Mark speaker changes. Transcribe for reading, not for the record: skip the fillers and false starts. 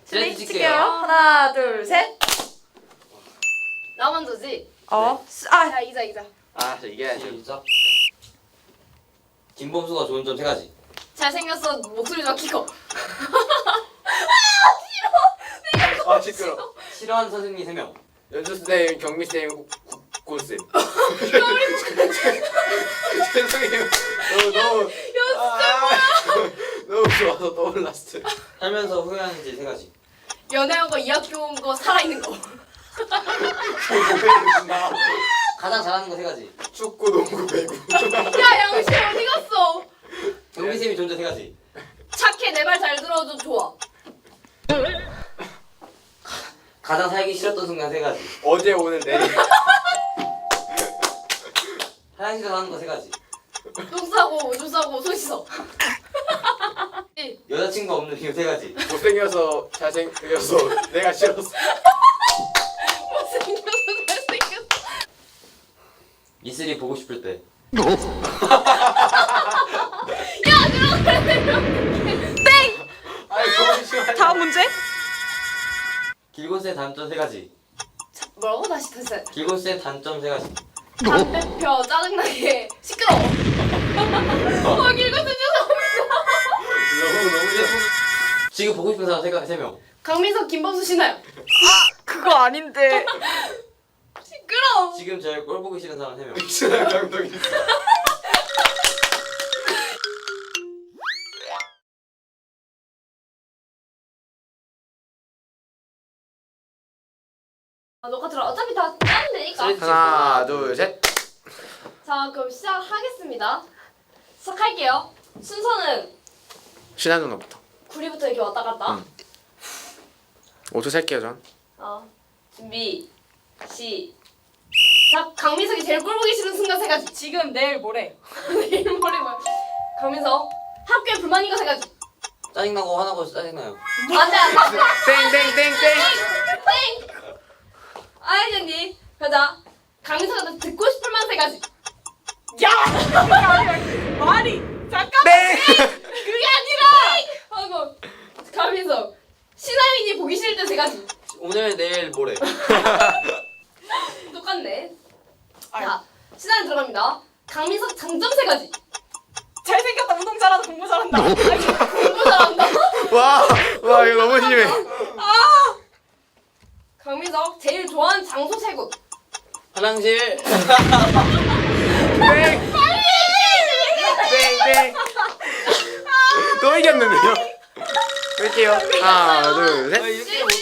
Speaker 1: 슬레이트 칠게요. 하나, 둘, 셋.
Speaker 2: 나 먼저지.
Speaker 1: 아,
Speaker 2: 이기자.
Speaker 3: 저 이겨야지.
Speaker 4: 진짜? 김범수가 좋은 점 세 가지.
Speaker 2: 잘생겼어. 목소리 좀 키고.
Speaker 3: 아 시끄러.
Speaker 4: 싫어하는 선생님 3명.
Speaker 3: 연주쌤, 경미쌤, 국고쌤. 죄송해요. 너무 너무 좋아서 떠올랐어요.
Speaker 4: 살면서 후회하는 일 3가지.
Speaker 2: 연애한 거, 이 학교 온 거, 살아있는 거.
Speaker 4: 가장 잘하는 거 3가지.
Speaker 3: 축구, 농구, 배구.
Speaker 2: 야, 양심 어디 갔어?
Speaker 4: 경미쌤이 존재 3가지.
Speaker 2: 착해, 내 말 잘 들어줘, 좋아.
Speaker 4: 가장 살기 싫었던 순간 3가지.
Speaker 3: 어제 오늘 내일.
Speaker 4: 화장실에서 하는 거 3가지.
Speaker 2: 똥 싸고, 오줌 싸고, 손 씻어.
Speaker 4: 여자친구 없는 이유 3가지.
Speaker 3: 못생겨서 잘생겨서 내가 싫었어.
Speaker 2: 못생겼어, 잘생겼어.
Speaker 4: 이슬이 보고 싶을 때.
Speaker 2: 야, 들어가래.
Speaker 3: 아니 잠시만요.
Speaker 1: 다음 문제.
Speaker 4: 길곤쌤 단점 3가지.
Speaker 2: 뭐라고? 다시.
Speaker 4: 길곤쌤 단점 3가지.
Speaker 2: 담배 펴, 짜증나게, 시끄러워. 길고 죄송합니다.
Speaker 3: 너무
Speaker 4: 지금 보고 싶은 사람 3명.
Speaker 2: 강민석, 김범수, 신하영.
Speaker 1: 그거 아닌데.
Speaker 2: 시끄러워.
Speaker 4: 지금 저희 꼴 보기 싫은 사람 3명.
Speaker 3: 미친한 감독이 있어.
Speaker 2: 녹화 들어. 어차피 다 짜면 되니까.
Speaker 3: 하나, 둘, 셋.
Speaker 2: 자, 그럼 시작하겠습니다. 시작할게요. 순서는
Speaker 3: 신한 누나부터.
Speaker 2: 구리부터 이렇게 왔다 갔다.
Speaker 3: 5초 셀게요 전.
Speaker 2: 준비. 시작. 강민석이 제일 꼴 보기 싫은 순간 3가지.
Speaker 1: 지금, 내일, 모레.
Speaker 2: 내일 모레 뭐야? 강민석 학교에 불만인 거 3가지.
Speaker 4: 짜증나고 화나고 짜증나요.
Speaker 2: 안돼.
Speaker 3: 땡땡땡땡.
Speaker 2: 땡. 알겠니? 가자. 강민석한테 듣고 싶을 만 3가지.
Speaker 1: 야! 말이. 잠깐.
Speaker 3: 땡.
Speaker 2: 그게 아니라. 하고 강민석 신하윤이 보기 싫을 때 3가지.
Speaker 4: 오늘 내일 모레.
Speaker 2: 똑같네.
Speaker 1: 아유.
Speaker 2: 자, 신하윤 들어갑니다. 강민석 장점 3가지.
Speaker 1: 잘생겼다. 운동 잘한다. 공부 잘한다.
Speaker 2: 공부 잘한다.
Speaker 3: 와 이거 너무 심해.
Speaker 2: 강민석 제일 좋아하는 장소 3곳.
Speaker 4: 화장실.
Speaker 3: 땡. 땡땡. 또 이겼는데요? 할게요. 하나, 둘, 셋.
Speaker 4: 이렇게 못